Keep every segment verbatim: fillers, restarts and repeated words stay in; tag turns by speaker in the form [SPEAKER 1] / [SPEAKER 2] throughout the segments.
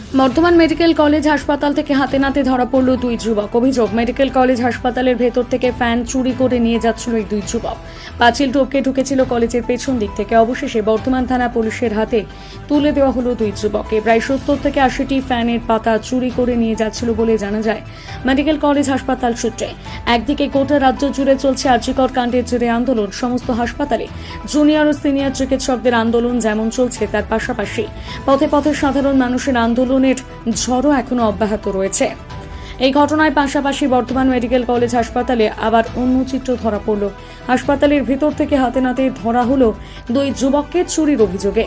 [SPEAKER 1] Bardhaman medical college হাসপাতাল থেকে হাতে নাতে ধরা পড়ল দুই যুবক। অভিযোগ, মেডিকেল কলেজ হাসপাতালের ভেতর থেকে ফ্যান চুরি করে নিয়ে যাচ্ছিল এই দুই যুবক। পাঁচিল টপকে ঢুকেছিল কলেজের পেছন দিক থেকে। অবশেষে বর্ধমান থানা পুলিশের হাতে তুলে দেওয়া হলো দুই যুবককে। প্রায় সত্তর থেকে আশিটি ফ্যানের পাতা চুরি করে নিয়ে যাচ্ছিল বলে জানা যায় মেডিকেল কলেজ হাসপাতাল সূত্রে। একদিকে গোটা রাজ্য জুড়ে চলছে আরজিকর কাণ্ডের জেরে আন্দোলন। সমস্ত হাসপাতালে জুনিয়র ও সিনিয়র চিকিৎসকদের আন্দোলন যেমন চলছে, তার পাশাপাশি পথে পথে সাধারণ মানুষের আন্দোলনের ঝড়ও এখনো অব্যাহত রয়েছে। এই ঘটনার পাশাপাশি বর্ধমান মেডিকেল কলেজ হাসপাতালে আবার অন্য চিত্র ধরা পড়ল। হাসপাতালের ভিতর থেকে হাতে নাতে ধরা হলো দুই যুবককে চুরির অভিযোগে।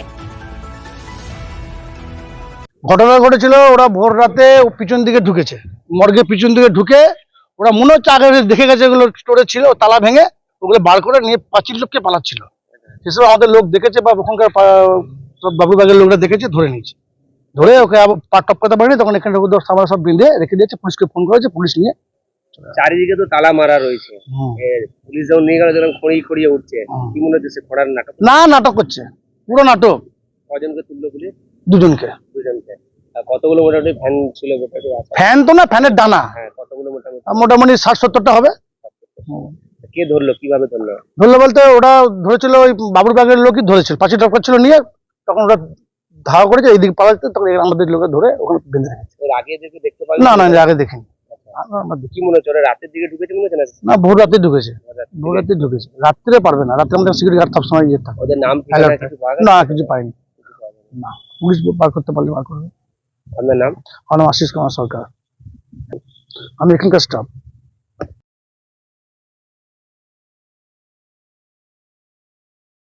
[SPEAKER 2] ঘটনা ঘটেছিল, ওরা ভোর রাতে পিছন দিকে ঢুকেছে, মর্গের পিছন দিকে ঢুকে ওরা মনে হচ্ছে আগে দেখে গেছে এগুলো স্টোরে ছিল, তালা ভেঙে ওগুলো বার করে নিয়ে পাঁচিল লোককে পালাচ্ছিল। সেসব আমাদের লোক দেখেছে বা ওখানকার সব বাবুবাগের লোকরা দেখেছে, ধরে নিয়েছে। ধরে ওকে আবার পা টপকাতে পারেনি, তখন এখানে সামনে সব বেঁধে রেখে দিয়েছে। পুলিশকে ফোন করেছে, পুলিশ নিয়ে
[SPEAKER 3] চারিদিকে তো তালা মারা রয়েছে। পুলিশ যখন নিয়ে গেল যখন খড়িয়ে খড়িয়ে উঠছে, কি মনে হচ্ছে খড়ার নাটক?
[SPEAKER 2] না, নাটক করছে, পুরো নাটক।
[SPEAKER 3] কজনকে তুললো পুলিশ?
[SPEAKER 2] দুজনকে।
[SPEAKER 3] দুজনকে। কতগুলো মোটামুটি ফ্যান ছিল?
[SPEAKER 2] ফ্যান তো না, ফ্যানের ডানা।
[SPEAKER 3] হ্যাঁ, কতগুলো মোটামুটি?
[SPEAKER 2] মোটামুটি ষাট সত্তরটা হবে।
[SPEAKER 3] কে ধরলো, কিভাবে ধরলো?
[SPEAKER 2] ধরলো বলতে ওরা ধরেছিল ওই বাবুর বাগের লোকই ধরেছিল, পাঁচিল টপকাচ্ছিল নিয়ে, তখন ওরা ধাওয়া করেছে এইদিকে পালাচ্ছে, তখন আমাদের লোকে ধরে ওখানে বেঁধে রেখেছে।
[SPEAKER 3] এর আগে দেখে দেখতে পারলো
[SPEAKER 2] না না, আগে দেখিনি।
[SPEAKER 3] কি মনে হচ্ছে ওরা রাতের দিকে ঢুকেছে মনে হচ্ছে?
[SPEAKER 2] না, ভোর রাতে ঢুকেছে, ভোর রাতে ঢুকেছে। রাত্রে পারবে না, রাত্রে আমাদের সিকিউরিটি গার্ড সবসময় ইয়ে থাকে।
[SPEAKER 3] ওদের নাম ঠিকানা কিছু পাওয়া গেছে?
[SPEAKER 2] না, কিছু পাইনি। না, পুলিশ বার করতে পারলে বার করবে।
[SPEAKER 3] আপনার নাম?
[SPEAKER 2] আমার নাম আশিস কুমার সরকার, আমি এখানকার স্টাফ।